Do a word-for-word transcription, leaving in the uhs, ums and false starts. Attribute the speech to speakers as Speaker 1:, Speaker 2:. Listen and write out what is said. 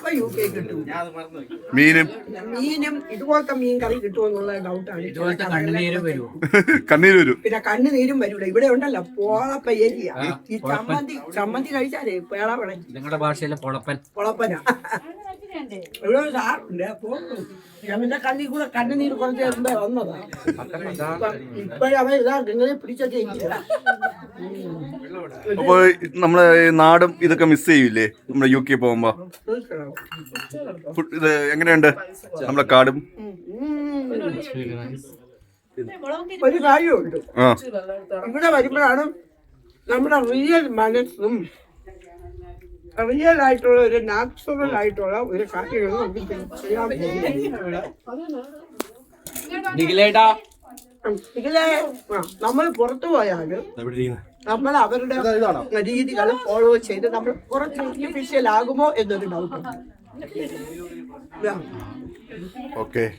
Speaker 1: അപ്പൊ U K കിട്ടും.
Speaker 2: മീനും
Speaker 1: മീനും ഇതുപോലത്തെ മീൻ കറി കിട്ടുമെന്നുള്ള ഡൗട്ടാണ്.
Speaker 3: കണ്ണുനീരും വരുമോ?
Speaker 2: കണ്ണീര് വരും.
Speaker 1: പിന്നെ കണ്ണുനീരും വരൂല. ഇവിടെ ഉണ്ടല്ലോ പോളപ്പ ഏരിയ. ഈ ചമ്മന്തി ചമ്മന്തി കഴിച്ചാലേ പേള വിളഞ്ഞു.
Speaker 3: നിങ്ങളുടെ ഭാഷയിലെ പൊളപ്പൻ
Speaker 1: പൊളപ്പന. ഇവിടെ ഒരു സാറുണ്ട്. അപ്പൊ എന്റെ കണ്ണിൽ കൂടെ കണ്ണുനീര് കുറച്ച് മുമ്പേ വന്നതാ. ഇപ്പോഴവൻ ഇതാ ഇങ്ങനെ പിടിച്ചൊക്കെ ഇരിക്കുക.
Speaker 2: അപ്പൊ നമ്മളെ നാടും ഇതൊക്കെ മിസ് ചെയ്യൂലേ നമ്മുടെ യു കെ പോകുമ്പോ? ഇത് എങ്ങനെയുണ്ട് നമ്മളെ കാടും?
Speaker 1: ഒരു കാര്യമുണ്ട്, ഇവിടെ വരുമ്പോഴാണ് നമ്മുടെ റിയൽ മനസ്സും റിയൽ ആയിട്ടുള്ള ഒരു നാച്ചുറൽ ആയിട്ടുള്ള ഒരു കാര്യങ്ങൾ നമുക്ക് ചെയ്യാൻ ഇതിലെ നമ്മൾ പുറത്തു പോയാലും നമ്മൾ അവരുടെ രീതികൾ ഫോളോ ചെയ്ത് നമ്മൾ കുറച്ച് ആർട്ടിഫിഷ്യൽ ആകുമോ എന്നൊരു ഡൗട്ട്.
Speaker 2: ഓക്കെ.